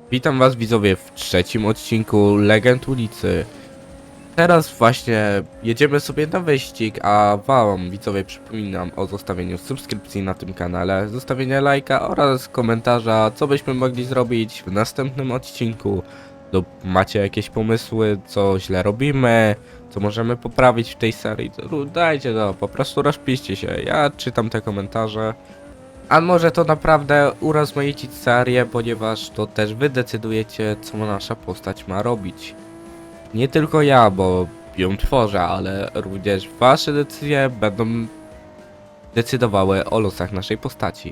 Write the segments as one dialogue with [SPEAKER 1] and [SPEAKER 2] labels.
[SPEAKER 1] Witam was widzowie w trzecim odcinku Legend Ulicy. Teraz właśnie jedziemy sobie na wyścig, a wam widzowie przypominam o zostawieniu subskrypcji na tym kanale, zostawieniu lajka oraz komentarza, co byśmy mogli zrobić w następnym odcinku. Macie jakieś pomysły, co źle robimy, co możemy poprawić w tej serii, to dajcie to, po prostu rozpiszcie się, ja czytam te komentarze. A może to naprawdę urozmaicić serię, ponieważ to też wy decydujecie, co nasza postać ma robić. Nie tylko ja, bo ją tworzę, ale również wasze decyzje będą decydowały o losach naszej postaci.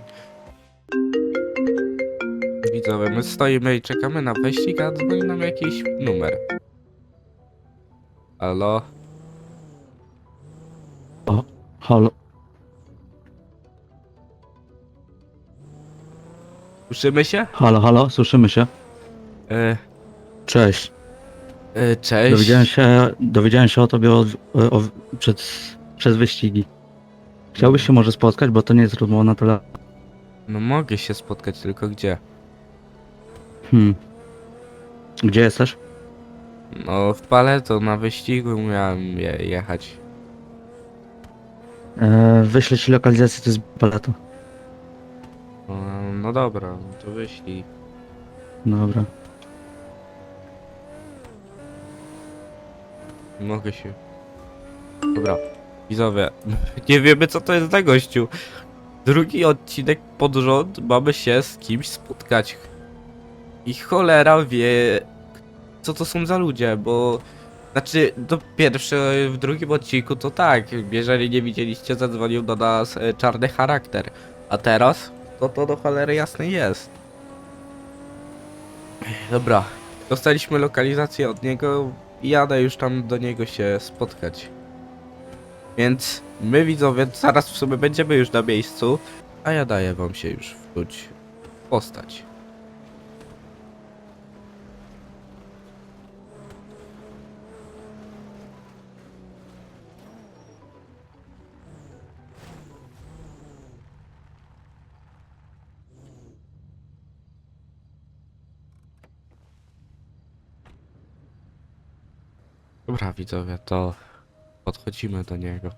[SPEAKER 1] Widzowie, my stoimy i czekamy na wyścig, a dzwoni nam jakiś numer. Halo?
[SPEAKER 2] O, halo.
[SPEAKER 1] Słyszymy się?
[SPEAKER 2] Halo, słyszymy się?
[SPEAKER 1] E,
[SPEAKER 2] Cześć.
[SPEAKER 1] Cześć.
[SPEAKER 2] Dowiedziałem się o tobie przez wyścigi. Chciałbyś się może spotkać, bo to nie jest rozmowa na telefon.
[SPEAKER 1] No mogę się spotkać, tylko gdzie?
[SPEAKER 2] Gdzie jesteś?
[SPEAKER 1] No w Paleto na wyścigu miałem jechać.
[SPEAKER 2] Wyślę ci lokalizację, to jest Paleto.
[SPEAKER 1] No dobra, no to wyślij.
[SPEAKER 2] Dobra.
[SPEAKER 1] Mogę się. Dobra, widzowie, nie wiemy co to jest za gościu. Drugi odcinek pod rząd mamy się z kimś spotkać. I cholera wie, co to są za ludzie, bo... Znaczy, to pierwszy, w drugim odcinku to tak, jeżeli nie widzieliście, zadzwonił do nas czarny charakter. A teraz, to do cholery jasnej jest. Dobra, dostaliśmy lokalizację od niego i jadę już tam do niego się spotkać. Więc my widzowie zaraz w sumie będziemy już na miejscu, a ja daję wam się już wczuć w postać. Dobra widzowie, to podchodzimy do niego.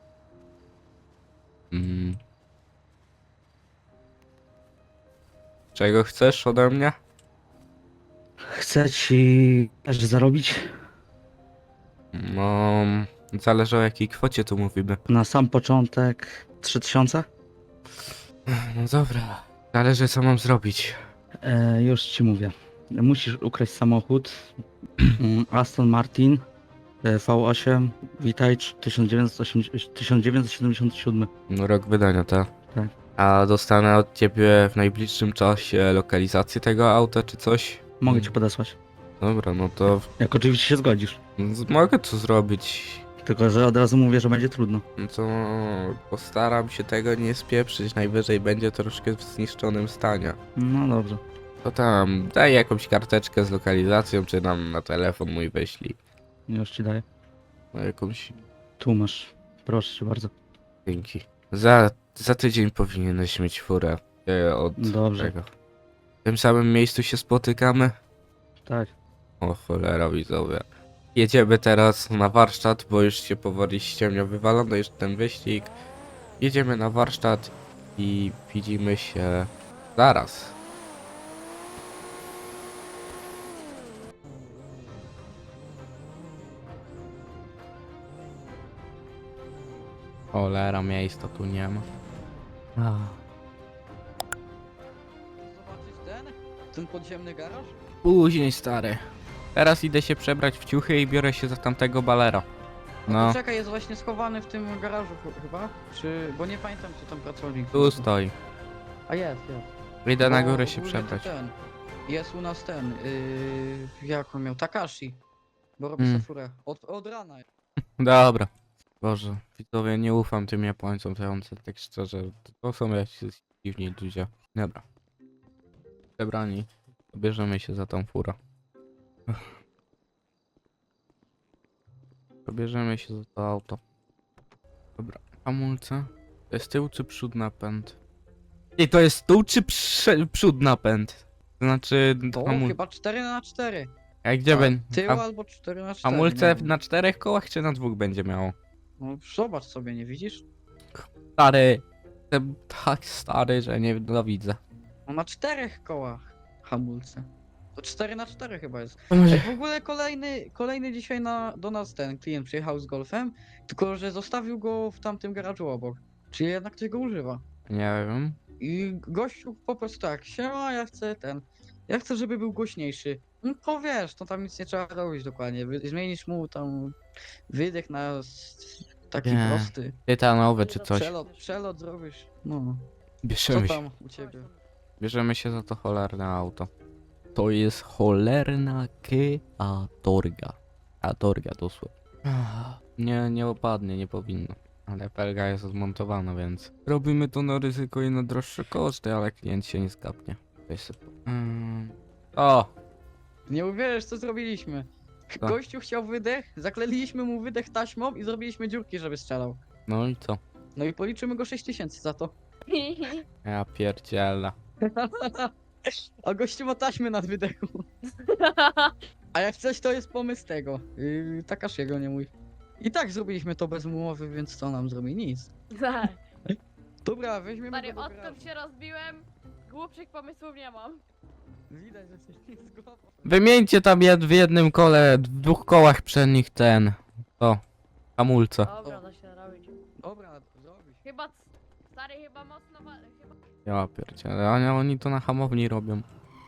[SPEAKER 1] Czego chcesz ode mnie?
[SPEAKER 2] Chcę ci też zarobić
[SPEAKER 1] No, zależy o jakiej kwocie tu mówimy.
[SPEAKER 2] na sam początek 3000?
[SPEAKER 1] No dobra, zależy co mam zrobić.
[SPEAKER 2] Już ci mówię. Musisz ukraść samochód Aston Martin V8 Vitage 1977.
[SPEAKER 1] No, rok wydania, tak?
[SPEAKER 2] Tak.
[SPEAKER 1] A dostanę od ciebie w najbliższym czasie lokalizację tego auta czy coś?
[SPEAKER 2] Mogę ci podesłać.
[SPEAKER 1] Dobra, no to
[SPEAKER 2] Jak oczywiście się zgodzisz.
[SPEAKER 1] mogę to zrobić.
[SPEAKER 2] Tylko, że od razu mówię, że będzie trudno.
[SPEAKER 1] No to postaram się tego nie spieprzyć, najwyżej będzie troszkę w zniszczonym stanie.
[SPEAKER 2] No dobrze.
[SPEAKER 1] To tam, daj jakąś karteczkę z lokalizacją, czy nam na telefon mój wyślij.
[SPEAKER 2] Już ci daję.
[SPEAKER 1] No jakąś,
[SPEAKER 2] Tu masz. Proszę cię bardzo.
[SPEAKER 1] dzięki. Za tydzień powinieneś mieć furę od
[SPEAKER 2] Dobrze.
[SPEAKER 1] tego. W tym samym miejscu się spotykamy?
[SPEAKER 2] Tak.
[SPEAKER 1] O cholera widzowie. Jedziemy teraz na warsztat, bo już się powoli ściemnia, wywalono już ten wyścig. Jedziemy na warsztat i widzimy się zaraz. Cholera, miejsca tu nie ma.
[SPEAKER 3] Zobaczyć ten podziemny garaż?
[SPEAKER 1] Później stary. Teraz idę się przebrać w ciuchy i biorę się za tamtego balera.
[SPEAKER 3] No
[SPEAKER 1] No,
[SPEAKER 3] to czekaj, jest właśnie schowany w tym garażu chyba? Czy... bo nie pamiętam co tam pracownik.
[SPEAKER 1] tu stoi.
[SPEAKER 3] A jest.
[SPEAKER 1] Idę na
[SPEAKER 3] Bo
[SPEAKER 1] górę się
[SPEAKER 3] ogólnie
[SPEAKER 1] przebrać.
[SPEAKER 3] to jest u nas jak on miał? Takashi. Bo robi
[SPEAKER 1] Mm.
[SPEAKER 3] sobie furę. Od rana.
[SPEAKER 1] Dobra. Boże, widzowie, nie ufam tym Japońcom, to ja wam tak szczerze. To są jacyś dziwni ludzie. Dobra. Przebrani. Bierzemy się za tą furę. Pobierzemy się za to auto. Dobra, hamulce. To jest tył czy przód napęd? I to jest tył czy przód napęd? To znaczy,
[SPEAKER 3] To chyba 4x4.
[SPEAKER 1] a gdzie będzie?
[SPEAKER 3] Tył albo 4x4.
[SPEAKER 1] Hamulce
[SPEAKER 3] nie wiem.
[SPEAKER 1] na 4 kołach czy na 2 będzie miało?
[SPEAKER 3] No zobacz sobie, nie widzisz?
[SPEAKER 1] Stary, jestem tak stary, że nie widzę.
[SPEAKER 3] No na 4 kołach hamulce. To 4x4 chyba jest.
[SPEAKER 1] To może...
[SPEAKER 3] Ej, w ogóle kolejny dzisiaj do nas ten klient przyjechał z Golfem, tylko że zostawił go w tamtym garażu obok. Czyli jednak ktoś go używa.
[SPEAKER 1] Nie wiem.
[SPEAKER 3] I gościu po prostu tak, siema, ja chcę, żeby był głośniejszy. No to wiesz, to tam nic nie trzeba robić dokładnie. Zmienisz mu tam wydech na taki
[SPEAKER 1] Nie.
[SPEAKER 3] prosty.
[SPEAKER 1] Tytanowe czy coś.
[SPEAKER 3] Przelot zrobisz. No, co
[SPEAKER 1] Bierzemy się.
[SPEAKER 3] tam u ciebie?
[SPEAKER 1] Bierzemy się za to cholerne auto. To jest cholerna Torga. A Torga dosłownie. Nie opadnie, nie powinno. Ale felga jest zmontowana, więc robimy to na ryzyko i na droższe koszty, ale klient się nie skapnie. Weź sobie O!
[SPEAKER 3] Nie uwierzysz, co zrobiliśmy.
[SPEAKER 1] Co?
[SPEAKER 3] Gościu chciał wydech, zakleliśmy mu wydech taśmą i zrobiliśmy dziurki, żeby strzelał.
[SPEAKER 1] No i co?
[SPEAKER 3] No i policzymy go 6000 za to.
[SPEAKER 1] Ja pierdziela.
[SPEAKER 3] A gościu ma taśmy nad wydechu. A jak coś, to jest pomysł tego. Takashiego, nie mój. I tak zrobiliśmy to bez umowy, więc co nam zrobi? Nic.
[SPEAKER 4] Tak.
[SPEAKER 3] Dobra, weźmiemy
[SPEAKER 4] Stary,
[SPEAKER 3] go do
[SPEAKER 4] odkąd
[SPEAKER 3] garażu.
[SPEAKER 4] się rozbiłem, głupszych pomysłów nie mam.
[SPEAKER 3] Widać, że coś nie jest z głową.
[SPEAKER 1] Wymieńcie tam w jednym kole, w 2 kołach przednich ten. O, hamulce.
[SPEAKER 4] Dobra, da się robić.
[SPEAKER 3] Dobra, zrobić.
[SPEAKER 4] Chyba, stary, chyba mocno chyba...
[SPEAKER 1] Ja pierdzielę, oni to na hamowni robią.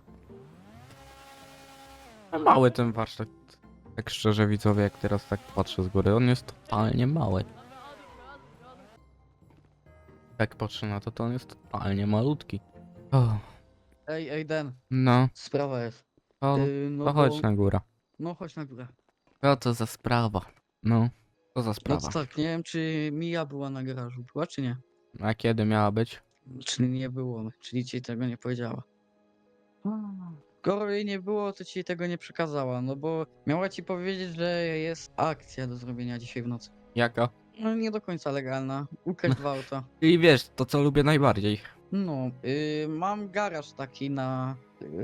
[SPEAKER 1] Mały ten warsztat. Tak szczerze widzowie, jak teraz tak patrzę z góry, on jest totalnie mały.
[SPEAKER 4] Dobra, odłóż.
[SPEAKER 1] Jak patrzę na to, to on jest totalnie malutki. O,
[SPEAKER 3] Ej, Den,
[SPEAKER 1] no,
[SPEAKER 3] sprawa jest.
[SPEAKER 1] to,
[SPEAKER 3] No
[SPEAKER 1] to
[SPEAKER 3] bo-
[SPEAKER 1] chodź na górę.
[SPEAKER 3] No chodź na górę.
[SPEAKER 1] Co to za sprawa? No, co za
[SPEAKER 3] No
[SPEAKER 1] sprawa?
[SPEAKER 3] to tak, nie wiem czy Mija była na garażu. Była czy nie?
[SPEAKER 1] A kiedy miała być?
[SPEAKER 3] Czyli nie było, czyli ci tego nie powiedziała. Skoro jej nie było, to ci tego nie przekazała, no bo miała ci powiedzieć, że jest akcja do zrobienia dzisiaj w nocy.
[SPEAKER 1] Jaka?
[SPEAKER 3] No nie do końca legalna. Ukraść dwa auta.
[SPEAKER 1] I wiesz, to co lubię najbardziej.
[SPEAKER 3] No, mam garaż taki na...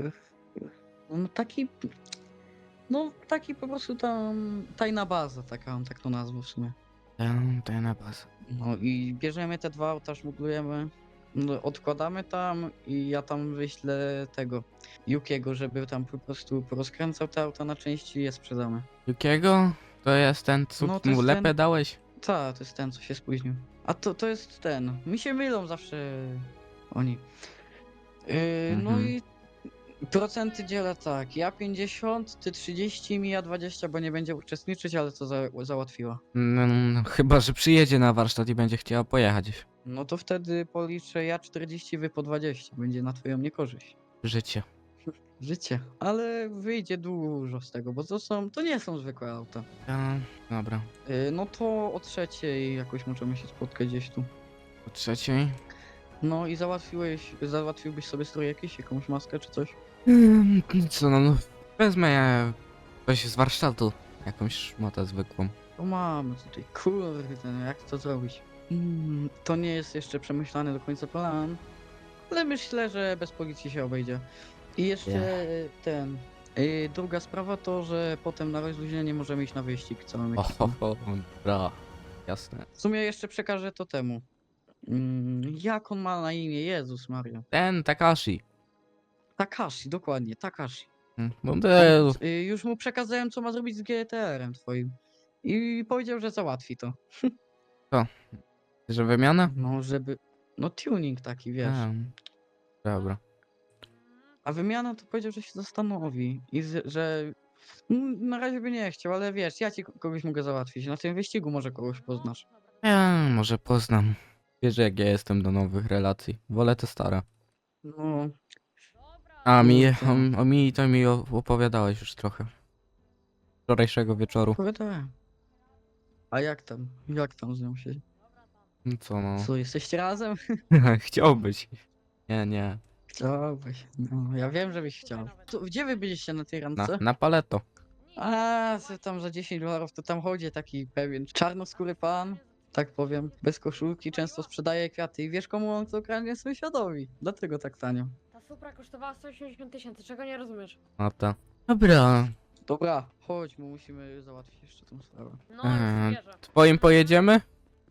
[SPEAKER 3] no taki... No taki po prostu tam tajna baza, taka, tak to nazwę w sumie.
[SPEAKER 1] Ten napas.
[SPEAKER 3] No i bierzemy te dwa auta, szmuglujemy, no, odkładamy tam i ja tam wyślę tego Yukiego, żeby tam po prostu porozkręcał te auta na części i je sprzedamy.
[SPEAKER 1] Jakiego? To jest ten, co
[SPEAKER 3] No, to
[SPEAKER 1] mu
[SPEAKER 3] jest
[SPEAKER 1] lepę
[SPEAKER 3] ten-
[SPEAKER 1] dałeś?
[SPEAKER 3] Ta, to jest ten, co się spóźnił. A to jest ten. Mi się mylą zawsze oni. No
[SPEAKER 1] Mhm.
[SPEAKER 3] i procenty dzielę tak. Ja 50, ty 30, Mija 20, bo nie będzie uczestniczyć, ale to załatwiła.
[SPEAKER 1] No, chyba, że przyjedzie na warsztat i będzie chciała pojechać.
[SPEAKER 3] No to wtedy policzę ja 40, wy po 20. Będzie na twoją niekorzyść.
[SPEAKER 1] Życie.
[SPEAKER 3] Życie. Ale wyjdzie dużo z tego, bo to nie są zwykłe auta.
[SPEAKER 1] Dobra.
[SPEAKER 3] No to o 3:00 jakoś możemy się spotkać gdzieś tu.
[SPEAKER 1] O 3:00?
[SPEAKER 3] No i załatwiłbyś sobie strój jakiś, jakąś maskę czy coś?
[SPEAKER 1] Co no, wezmę coś z warsztatu. Jakąś szmatę zwykłą.
[SPEAKER 3] To mamy tutaj, kurde, no jak to zrobić? To nie jest jeszcze przemyślany do końca plan, ale myślę, że bez policji się obejdzie. I jeszcze druga sprawa to, że potem na rozluźnienie możemy iść na wyścig, co mamy.
[SPEAKER 1] Dobra. Jasne.
[SPEAKER 3] W sumie jeszcze przekażę to temu. Jak on ma na imię? Jezus Maria.
[SPEAKER 1] Ten Takashi.
[SPEAKER 3] Takashi, dokładnie, Takashi.
[SPEAKER 1] Model.
[SPEAKER 3] Już mu przekazałem, co ma zrobić z GTR-em twoim. I powiedział, że załatwi to.
[SPEAKER 1] Że wymiana?
[SPEAKER 3] No, żeby... No tuning taki, wiesz.
[SPEAKER 1] Dobra.
[SPEAKER 3] A wymiana to powiedział, że się zastanowi. Że... Na razie by nie chciał, ale wiesz, ja ci kogoś mogę załatwić. Na tym wyścigu może kogoś poznasz.
[SPEAKER 1] Ja może poznam. Wiesz jak ja jestem do nowych relacji. Wolę te stare.
[SPEAKER 3] No,
[SPEAKER 4] Dobra,
[SPEAKER 1] A
[SPEAKER 3] Kurde.
[SPEAKER 1] o mi to mi opowiadałeś już trochę. Wczorajszego wieczoru.
[SPEAKER 3] opowiadałem. A jak tam? Jak tam z nią się...
[SPEAKER 1] No co no.
[SPEAKER 3] Co, jesteście razem?
[SPEAKER 1] Chciałbyś. Nie.
[SPEAKER 3] Chciałbyś. No, ja wiem, że byś chciał. Gdzie wy byliście na tej randce?
[SPEAKER 1] Na paleto.
[SPEAKER 3] A, co tam za $10 to tam chodzi taki pewien czarnoskóry pan, tak powiem, bez koszulki, często sprzedaje kwiaty i wiesz komu on to kradnie? Sąsiadowi. Dlatego tak tanio.
[SPEAKER 4] ta Supra kosztowała 180 tysięcy, czego nie rozumiesz?
[SPEAKER 1] No to. Dobra.
[SPEAKER 3] Dobra, chodź, bo musimy załatwić jeszcze tą sprawę.
[SPEAKER 4] No,
[SPEAKER 1] Eee,
[SPEAKER 4] już wierzę.
[SPEAKER 1] Twoim pojedziemy?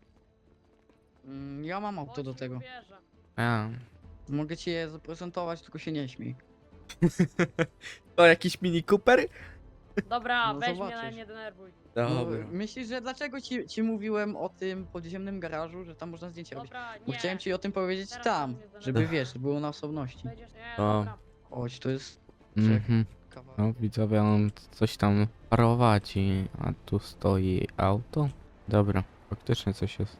[SPEAKER 3] Ja mam auto
[SPEAKER 4] Chodź,
[SPEAKER 3] do
[SPEAKER 4] już
[SPEAKER 3] tego.
[SPEAKER 4] wierzę.
[SPEAKER 1] A.
[SPEAKER 3] Mogę ci je zaprezentować, tylko się nie śmiej.
[SPEAKER 1] To jakiś Mini Cooper?
[SPEAKER 4] Dobra,
[SPEAKER 3] No
[SPEAKER 4] weź mnie,
[SPEAKER 3] zobaczysz.
[SPEAKER 4] ale nie denerwuj.
[SPEAKER 3] No, myślisz, że dlaczego ci mówiłem o tym podziemnym garażu, że tam można zdjęcie robić?
[SPEAKER 4] Dobra,
[SPEAKER 3] Bo
[SPEAKER 4] nie.
[SPEAKER 3] chciałem ci o tym powiedzieć
[SPEAKER 4] Teraz
[SPEAKER 3] tam,
[SPEAKER 4] mnie zdenerwuj.
[SPEAKER 3] żeby wiesz, było na osobności.
[SPEAKER 4] Wejdziesz, nie,
[SPEAKER 1] O.
[SPEAKER 4] dobra.
[SPEAKER 3] Chodź, to jest
[SPEAKER 1] Mhm.
[SPEAKER 3] kawałek.
[SPEAKER 1] No widzowie, on coś tam prowadzi, a tu stoi auto. Dobra, faktycznie coś jest.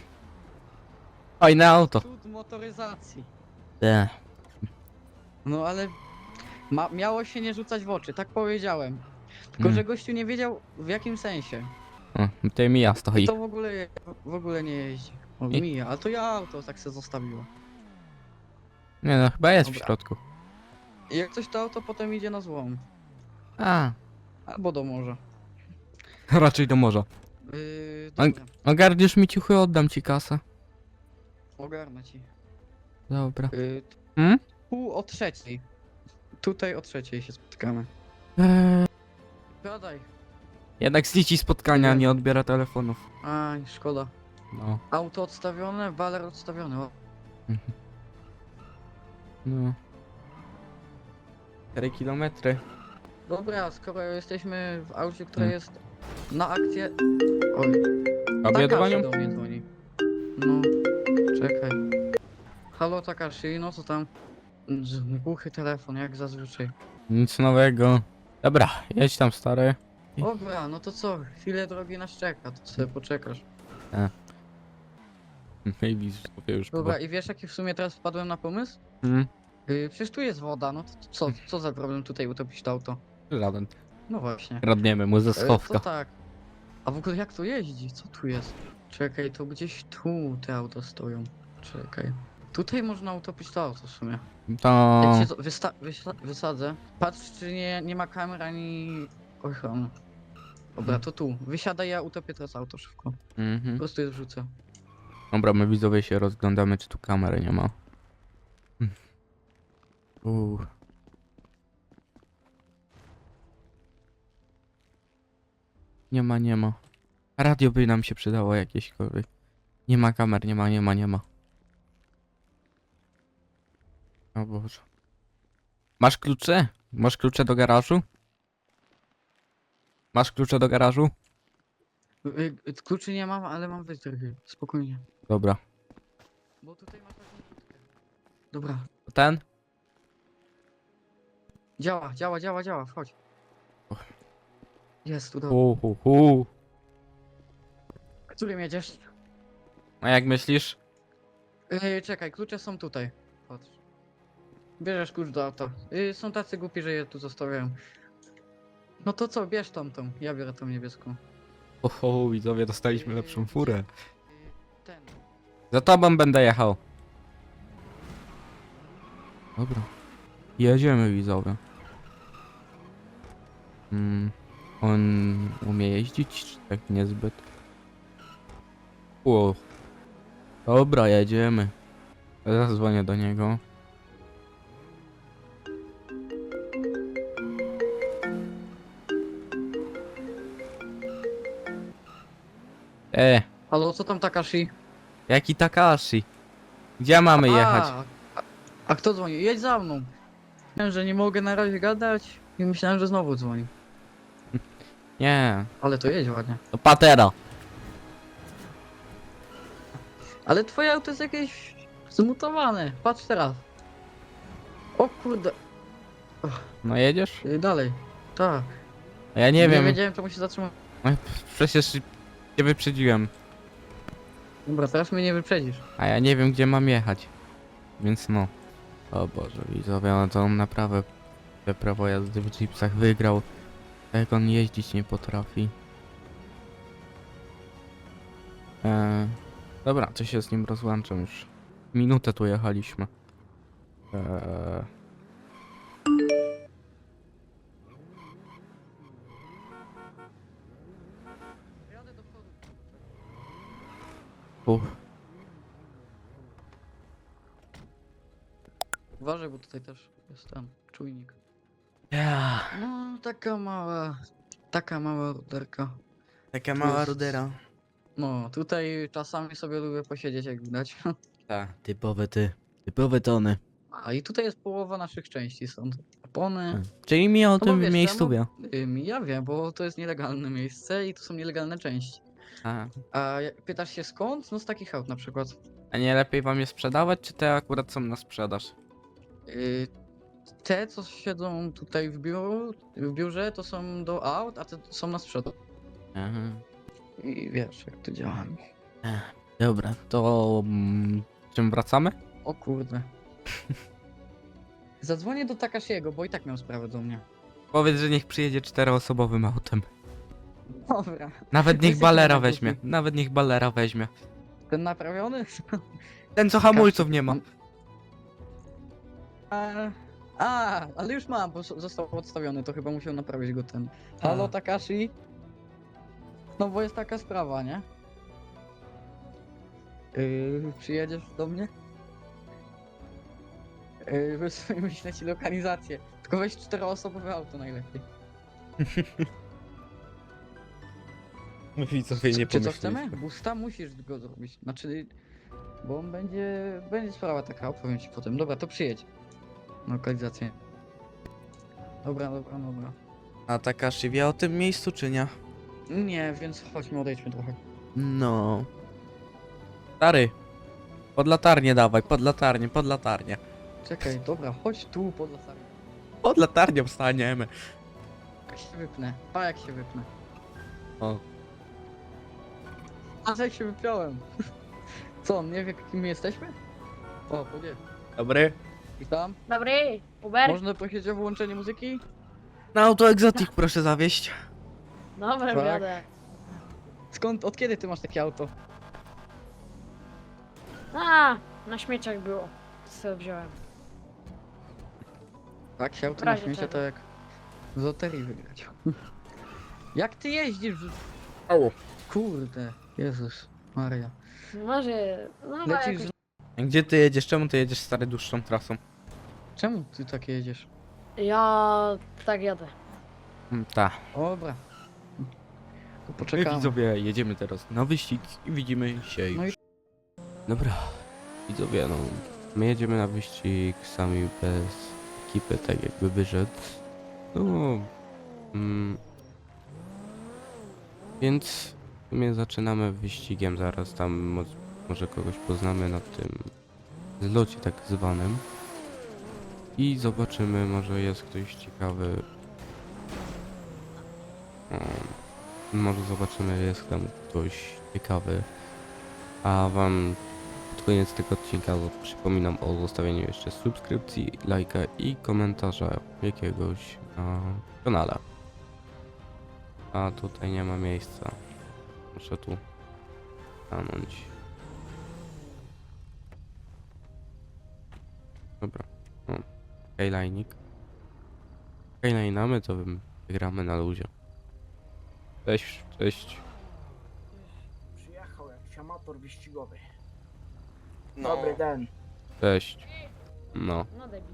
[SPEAKER 1] Fajne auto.
[SPEAKER 3] Cud motoryzacji.
[SPEAKER 1] Te.
[SPEAKER 3] No ale miało się nie rzucać w oczy, tak powiedziałem. Tylko, że gościu nie wiedział w jakim sensie.
[SPEAKER 1] O, tutaj Mija stoi.
[SPEAKER 3] To w ogóle nie jeździ. O,
[SPEAKER 1] I-
[SPEAKER 3] mija, ale to ja auto tak se zostawiło.
[SPEAKER 1] Nie no, chyba jest w
[SPEAKER 3] Dobra.
[SPEAKER 1] środku.
[SPEAKER 3] I jak coś to auto potem idzie na złom.
[SPEAKER 1] A,
[SPEAKER 3] Albo do morza.
[SPEAKER 1] raczej do morza.
[SPEAKER 3] Dobra,
[SPEAKER 1] Ogarniesz mi ciuchy, oddam ci kasę.
[SPEAKER 3] ogarnę ci.
[SPEAKER 1] Dobra.
[SPEAKER 3] Yy,
[SPEAKER 1] Hmm?
[SPEAKER 3] Pół o trzeciej. Tutaj o trzeciej się spotykamy. Gadaj.
[SPEAKER 1] Jednak z dzieci spotkania nie odbiera telefonów.
[SPEAKER 3] Aj, szkoda.
[SPEAKER 1] No.
[SPEAKER 3] Auto odstawione, waler odstawiony. O.
[SPEAKER 1] No. 4 kilometry.
[SPEAKER 3] Dobra, skoro jesteśmy w aucie, które
[SPEAKER 1] Hmm.
[SPEAKER 3] jest na akcję... Oj,
[SPEAKER 1] Obie
[SPEAKER 3] Takashi
[SPEAKER 1] dzwonią?
[SPEAKER 3] do mnie dzwoni. No, czekaj. Halo Takashi, no co tam? Głuchy telefon, jak zazwyczaj.
[SPEAKER 1] Nic nowego. Dobra, jedź tam stary.
[SPEAKER 3] Dobra, no to co? Chwilę drogi nas czeka, to sobie poczekasz.
[SPEAKER 1] Maybe już
[SPEAKER 3] Dobra, i wiesz jaki w sumie teraz wpadłem na pomysł?
[SPEAKER 1] Hmm?
[SPEAKER 3] Przecież tu jest woda, no to co za problem tutaj utopić to auto?
[SPEAKER 1] Żaden.
[SPEAKER 3] No właśnie.
[SPEAKER 1] Kradniemy mu ze
[SPEAKER 3] To
[SPEAKER 1] schowka.
[SPEAKER 3] tak. A w ogóle jak to jeździ? Co tu jest? Czekaj, to gdzieś tu te auta stoją. Czekaj. Tutaj można utopić to auto w sumie.
[SPEAKER 1] To...
[SPEAKER 3] Jak się to wysadzę, patrz czy nie ma kamer ani ochrony. Dobra, to tu. Wysiadaj, ja utopię teraz auto szybko. Po
[SPEAKER 1] Mhm.
[SPEAKER 3] prostu je wrzucę.
[SPEAKER 1] Dobra, my widzowie się rozglądamy, czy tu kamery nie ma. Uuu. Nie ma, nie ma. Radio by nam się przydało jakieśkolwiek. Nie ma kamer, nie ma. O Boże. Masz klucze? Masz klucze do garażu? Masz klucze do garażu?
[SPEAKER 3] Kluczy nie mam, ale mam wytrychy. Spokojnie.
[SPEAKER 1] Dobra.
[SPEAKER 3] Bo tutaj masz taką kłódkę. Dobra.
[SPEAKER 1] To ten?
[SPEAKER 3] Działa, wchodź. Jest, tu dobra.
[SPEAKER 1] Hu.
[SPEAKER 3] Którym jedziesz?
[SPEAKER 1] A jak myślisz?
[SPEAKER 3] Czekaj, klucze są tutaj. Patrz. Bierzesz klucz do auta. Są tacy głupi, że je tu zostawiają. No to co, bierz tamtą. Ja biorę tą niebieską.
[SPEAKER 1] Oho, widzowie, dostaliśmy lepszą furę.
[SPEAKER 3] Ten.
[SPEAKER 1] Za tobą będę jechał. Dobra. Jedziemy, widzowie. On umie jeździć, czy tak niezbyt? O. Dobra, jedziemy. Zadzwonię do niego.
[SPEAKER 3] Halo, co tam Takashi?
[SPEAKER 1] Jaki Takashi? Gdzie mamy jechać?
[SPEAKER 3] A kto dzwoni? Jedź za mną. Myślałem, że nie mogę na razie gadać i myślałem, że znowu dzwoni.
[SPEAKER 1] Nie,
[SPEAKER 3] Ale to jedź ładnie.
[SPEAKER 1] to Patera.
[SPEAKER 3] Ale twoje auto jest jakieś zmutowane. Patrz teraz. O kurde.
[SPEAKER 1] No jedziesz?
[SPEAKER 3] Dalej. Tak.
[SPEAKER 1] A ja nie wiem.
[SPEAKER 3] wiedziałem czemu się zatrzymać.
[SPEAKER 1] No, przecież cię wyprzedziłem.
[SPEAKER 3] Dobra, teraz mnie nie wyprzedzisz.
[SPEAKER 1] A ja nie wiem, gdzie mam jechać. Więc no. O Boże, widzowie, no to on naprawdę te prawo jazdy w jeepsach wygrał. Jak on jeździć nie potrafi. Dobra, to się z nim rozłączam już. Minutę tu jechaliśmy.
[SPEAKER 3] Jadę do przodu.
[SPEAKER 1] Uff.
[SPEAKER 3] Uważaj, bo tutaj też jest ten czujnik.
[SPEAKER 1] Ja,
[SPEAKER 3] No, taka mała ruderka.
[SPEAKER 1] taka
[SPEAKER 3] Tu
[SPEAKER 1] mała
[SPEAKER 3] jest-
[SPEAKER 1] rudera.
[SPEAKER 3] No, tutaj czasami sobie lubię posiedzieć, jak widać.
[SPEAKER 1] Tak, typowe tony.
[SPEAKER 3] A i tutaj jest połowa naszych części, są opony.
[SPEAKER 1] Czyli mi o
[SPEAKER 3] No bo
[SPEAKER 1] tym
[SPEAKER 3] wiesz,
[SPEAKER 1] miejscu
[SPEAKER 3] czemu-
[SPEAKER 1] wie.
[SPEAKER 3] Ja wiem, bo to jest nielegalne miejsce i to są nielegalne części.
[SPEAKER 1] A,
[SPEAKER 3] A pytasz się skąd? No z takich aut na przykład.
[SPEAKER 1] a nie lepiej wam je sprzedawać, czy te akurat są na sprzedaż?
[SPEAKER 3] Y, Te, co siedzą tutaj w biurze, to są do aut, a te są na sprzedaż.
[SPEAKER 1] Aha.
[SPEAKER 3] I wiesz, jak to działa.
[SPEAKER 1] Dobra, to czym wracamy?
[SPEAKER 3] O kurde. Zadzwonię do Takashiego, bo i tak miał sprawę do mnie.
[SPEAKER 1] Powiedz, że niech przyjedzie 4-osobowym autem.
[SPEAKER 3] Dobra.
[SPEAKER 1] Nawet niech
[SPEAKER 3] Jesteśmy
[SPEAKER 1] balera
[SPEAKER 3] na
[SPEAKER 1] weźmie.
[SPEAKER 3] grupie.
[SPEAKER 1] Nawet niech balera weźmie.
[SPEAKER 3] Ten naprawiony?
[SPEAKER 1] Ten co hamulców nie ma.
[SPEAKER 3] Ale już mam, bo został odstawiony, to chyba musiał naprawić go ten. Halo
[SPEAKER 1] A.
[SPEAKER 3] Takashi? No bo jest taka sprawa, nie? Przyjedziesz do mnie? Wyślę ci lokalizację. Tylko weź 4-osobowe auto najlepiej.
[SPEAKER 1] Widzowie
[SPEAKER 3] Czy co chcemy? Busta musisz go zrobić. Znaczy, bo on będzie sprawa taka, opowiem ci potem. Dobra, to przyjedź. Na lokalizację. Dobra.
[SPEAKER 1] A Takashi wie o tym miejscu, czy nie?
[SPEAKER 3] Nie, więc chodźmy, odejdźmy trochę.
[SPEAKER 1] No. Stary. Pod latarnię dawaj, pod latarnię.
[SPEAKER 3] Czekaj, dobra, chodź tu pod lasami.
[SPEAKER 1] Pod latarnią staniemy.
[SPEAKER 3] Jak się wypnę. Pa jak się wypnę.
[SPEAKER 1] O.
[SPEAKER 3] A jak się wypiąłem. Co, on nie wie kim my jesteśmy? O, podzie.
[SPEAKER 1] Dobry.
[SPEAKER 3] I tam?
[SPEAKER 4] Dobry, Uber.
[SPEAKER 3] Można prosić o wyłączenie muzyki?
[SPEAKER 1] Na auto egzotik proszę zawieść.
[SPEAKER 4] Dobra,
[SPEAKER 3] Tak.
[SPEAKER 4] jadę.
[SPEAKER 3] Skąd, od kiedy ty masz takie auto?
[SPEAKER 4] A, na śmieciach było. Co wziąłem.
[SPEAKER 3] Tak, się auto
[SPEAKER 4] W
[SPEAKER 3] na
[SPEAKER 4] razie
[SPEAKER 3] śmiecie
[SPEAKER 4] czego.
[SPEAKER 3] to jak w loterii wygrać. Jak ty jeździsz?
[SPEAKER 1] Au.
[SPEAKER 3] Kurde, Jezus Maria.
[SPEAKER 4] Może, no
[SPEAKER 3] Lecisz...
[SPEAKER 4] jakoś...
[SPEAKER 1] Gdzie ty jedziesz? Czemu ty jedziesz stary dłuższą trasą?
[SPEAKER 3] Czemu ty tak jedziesz?
[SPEAKER 4] Ja tak jadę.
[SPEAKER 3] Dobra.
[SPEAKER 1] Ta.
[SPEAKER 3] To
[SPEAKER 1] My
[SPEAKER 3] poczekamy.
[SPEAKER 1] widzowie jedziemy teraz na wyścig i widzimy się
[SPEAKER 3] No
[SPEAKER 1] już.
[SPEAKER 3] i-
[SPEAKER 1] Dobra. Widzowie, no. My jedziemy na wyścig sami bez ekipy, tak jakby wyszedł. No. Więc w sumie zaczynamy wyścigiem zaraz tam może kogoś poznamy na tym zlocie tak zwanym. I zobaczymy, może jest ktoś ciekawy. Może zobaczymy, jest tam ktoś ciekawy. A wam pod koniec tego odcinka przypominam o zostawieniu jeszcze subskrypcji, lajka i komentarza jakiegoś na kanale. A tutaj nie ma miejsca. Muszę tu stanąć. Dobra. O, Skyline'ik. Skyline'amy, to wygramy na luzie. Cześć, cześć.
[SPEAKER 5] Przyjechał jakiś amator wyścigowy. Dobry den.
[SPEAKER 1] Cześć. No.
[SPEAKER 4] No debil.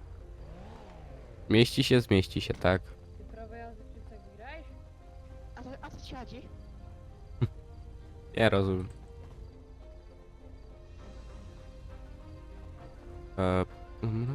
[SPEAKER 1] Zmieści się, tak.
[SPEAKER 4] Ty prawo jazdy czy tak grałeś?
[SPEAKER 6] A co ci chodzi?
[SPEAKER 1] Ja rozumiem. Mhm.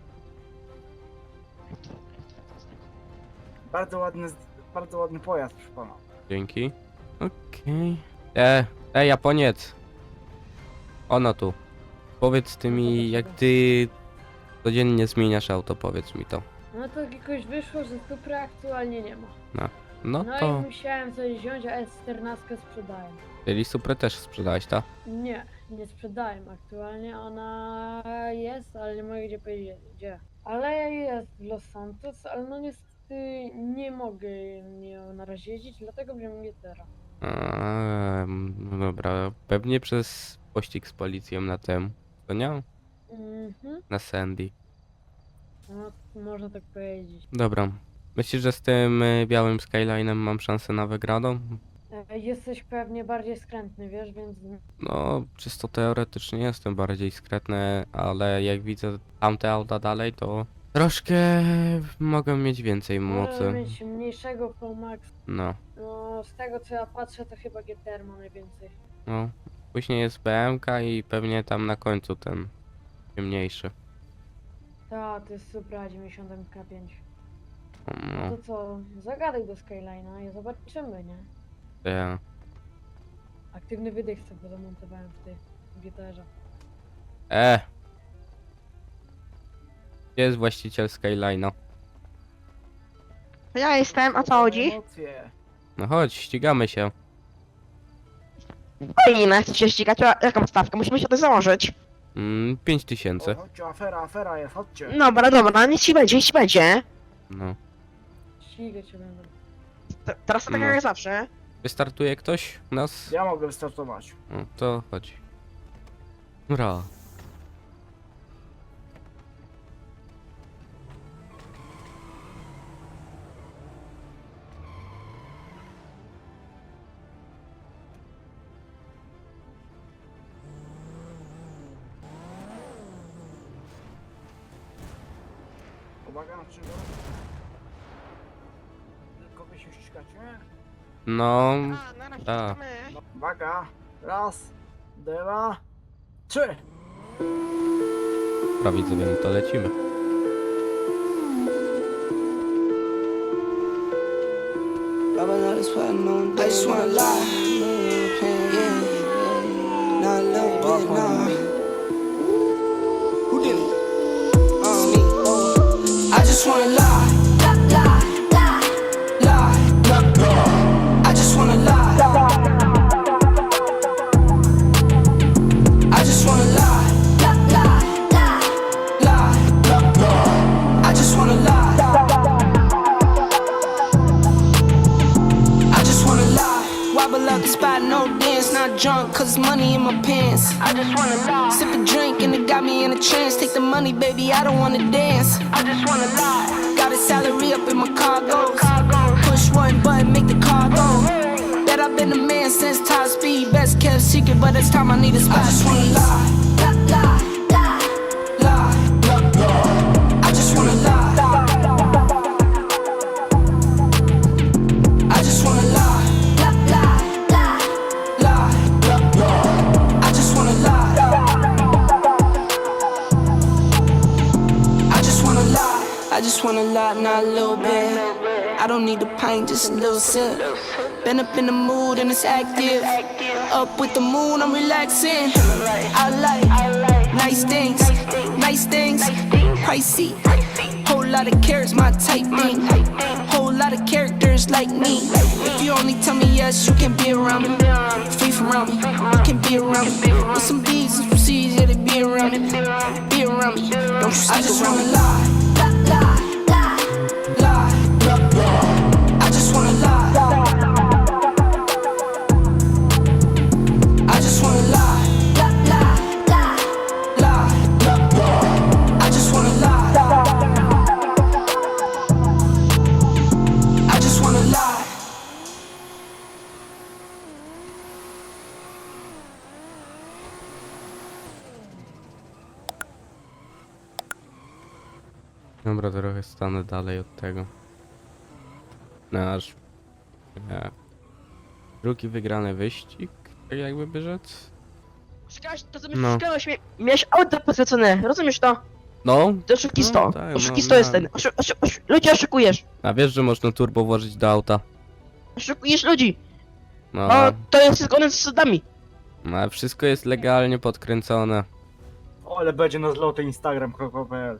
[SPEAKER 5] Bardzo ładny pojazd, proszę pana.
[SPEAKER 1] Dzięki. Okej. Japoniec. Ono tu. Powiedz ty mi, jak ty codziennie zmieniasz auto, powiedz mi to.
[SPEAKER 4] No to jakoś wyszło, że Supra aktualnie nie ma.
[SPEAKER 1] No
[SPEAKER 4] No
[SPEAKER 1] to,
[SPEAKER 4] i musiałem coś wziąć, a S14 sprzedaję.
[SPEAKER 1] czyli Suprę też sprzedałeś, tak?
[SPEAKER 4] Nie, nie sprzedaję aktualnie. Ona jest, ale nie mogę gdzie powiedzieć gdzie. Ale jest w Los Santos, ale no niestety nie mogę nią na razie jeździć, dlatego wziąłem GTR.
[SPEAKER 1] No dobra, pewnie przez pościg z policją na tym, to nie?
[SPEAKER 4] Mhm,
[SPEAKER 1] Na Sandy.
[SPEAKER 4] no można tak powiedzieć.
[SPEAKER 1] Dobra. Myślisz, że z tym białym Skyline'em mam szansę na wygraną?
[SPEAKER 4] Jesteś pewnie bardziej skrętny, wiesz, więc
[SPEAKER 1] No, czysto teoretycznie jestem bardziej skretny, ale jak widzę tamte auta dalej, to troszkę mogę mieć więcej
[SPEAKER 4] możesz
[SPEAKER 1] mocy.
[SPEAKER 4] mieć mniejszego Max.
[SPEAKER 1] No,
[SPEAKER 4] No, z tego co ja patrzę, to chyba GTR ma najwięcej.
[SPEAKER 1] no. Później jest BMK i pewnie tam na końcu ten mniejszy.
[SPEAKER 4] Ta, to jest Supra 90 MK5.
[SPEAKER 1] No,
[SPEAKER 4] To co, zagadaj do Skyline'a i zobaczymy, nie?
[SPEAKER 1] to ja.
[SPEAKER 4] Aktywny wydech sobie zamontowałem w tej GTR-ze.
[SPEAKER 1] Gdzie jest właściciel Skyline'a?
[SPEAKER 6] Ja jestem, o co chodzi?
[SPEAKER 5] Emocje.
[SPEAKER 1] No chodź, ścigamy się.
[SPEAKER 6] Fajnie, chcę się ścigać, a jaką stawkę? Musimy się to założyć.
[SPEAKER 1] 5000.
[SPEAKER 5] O, chodźcie, afera jest, chodźcie.
[SPEAKER 6] Dobra, niech ci będzie, niech ci będzie.
[SPEAKER 1] No.
[SPEAKER 4] Ścigać się będą.
[SPEAKER 6] Teraz to tak
[SPEAKER 1] No.
[SPEAKER 6] jak zawsze.
[SPEAKER 1] Wystartuje ktoś u nas?
[SPEAKER 5] Ja mogę wystartować.
[SPEAKER 1] No, to chodź. Dobra.
[SPEAKER 5] Uwaga na czego? Tylko wy się ścigacie?
[SPEAKER 1] No,
[SPEAKER 6] A, na razie
[SPEAKER 1] Tak.
[SPEAKER 6] to my.
[SPEAKER 5] No, uwaga. Raz, dwa, trzy.
[SPEAKER 1] prawie sobie, no to lecimy.
[SPEAKER 7] I just wanna lie. Yeah. Not a little bit, nah. Who did it? Me. I just wanna lie. Lie. I just wanna lie. I just wanna lie. Lie. I just wanna lie. I just wanna lie. Wobble out the spot, no dance, not drunk, cause money in my pants. I just wanna lie. Sip a drink and it got me in a trance. Take the money, baby, I don't wanna dance. I just wanna lie. Got a salary up in my cargo. Push one button, make the car go. Bet I've been a man since top speed. Best kept secret, but it's time I need a spot. I just wanna lie. Lie. I just wanna lie. I just wanna lie. Lie. I just wanna lie. I just wanna lie. I just wanna lie, not a little bit. I don't need a pint, just a little sip. Been up in the mood and it's active. Up with the moon, I'm relaxing. I like nice things, pricey. Whole lot of carrots, my type thing. Whole lot of characters like me. If you only tell me yes, you can be around me. Free from around me, you can be around me. With some B's and some C's, yeah, they be around me. Be around me, don't you stick I just wanna lie. Lie. I just wanna lie. I just wanna lie. Lie. I just wanna lie. I just wanna lie.
[SPEAKER 1] Dobra, trochę stanę dalej od tego. Nasz drugi wygrany wyścig, tak jakby by rzec.
[SPEAKER 6] Szukałeś, to co
[SPEAKER 1] No.
[SPEAKER 6] szukałeś, miałeś auto poświęcone, rozumiesz to?
[SPEAKER 1] No,
[SPEAKER 6] To oszukisto,
[SPEAKER 1] No, tak,
[SPEAKER 6] oszukisto
[SPEAKER 1] no,
[SPEAKER 6] jest ten, ludzi oszukujesz,
[SPEAKER 1] a wiesz, że można turbo włożyć do auta?
[SPEAKER 6] oszukujesz ludzi,
[SPEAKER 1] No,
[SPEAKER 6] o, to jest zgodne z zasadami.
[SPEAKER 1] no ale wszystko jest legalnie podkręcone.
[SPEAKER 5] O, ale będzie na zloty instagram.pl.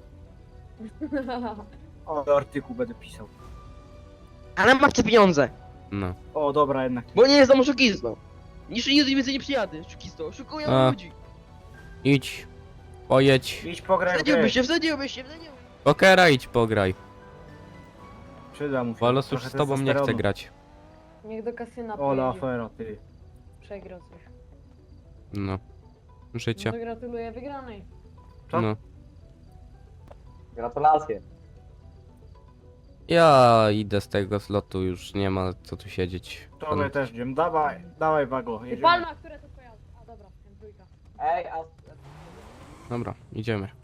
[SPEAKER 5] O, artykuł będę pisał.
[SPEAKER 6] Ale masz te pieniądze,
[SPEAKER 1] No.
[SPEAKER 5] O, dobra, jednak.
[SPEAKER 6] bo nie jest tam oszukisto. Niż nigdy więcej nie przyjadę, oszukisto, oszukują
[SPEAKER 1] A.
[SPEAKER 6] ludzi.
[SPEAKER 1] Idź, pojedź,
[SPEAKER 5] Idź pograj w grę.
[SPEAKER 6] Wsadziłbyś się.
[SPEAKER 1] pokera idź pograj.
[SPEAKER 5] Przyda mu się.
[SPEAKER 1] Walos już
[SPEAKER 5] Trochę
[SPEAKER 1] z tobą nie chce
[SPEAKER 5] testosteronu.
[SPEAKER 1] grać.
[SPEAKER 4] Niech do kasyna
[SPEAKER 5] Ola
[SPEAKER 4] pojedzie.
[SPEAKER 5] afera, ty.
[SPEAKER 4] Przegrał coś.
[SPEAKER 1] No. Życie.
[SPEAKER 4] No to gratuluję wygranej.
[SPEAKER 5] Co?
[SPEAKER 1] No.
[SPEAKER 8] Gratulacje.
[SPEAKER 1] Ja idę z tego slotu, już nie ma co tu siedzieć.
[SPEAKER 5] To my też idziemy. Dawaj Wago,
[SPEAKER 4] Ty
[SPEAKER 5] jedziemy.
[SPEAKER 4] Palma, które to pojazdy? A dobra, M3.
[SPEAKER 5] Ej, a...
[SPEAKER 1] Dobra, idziemy.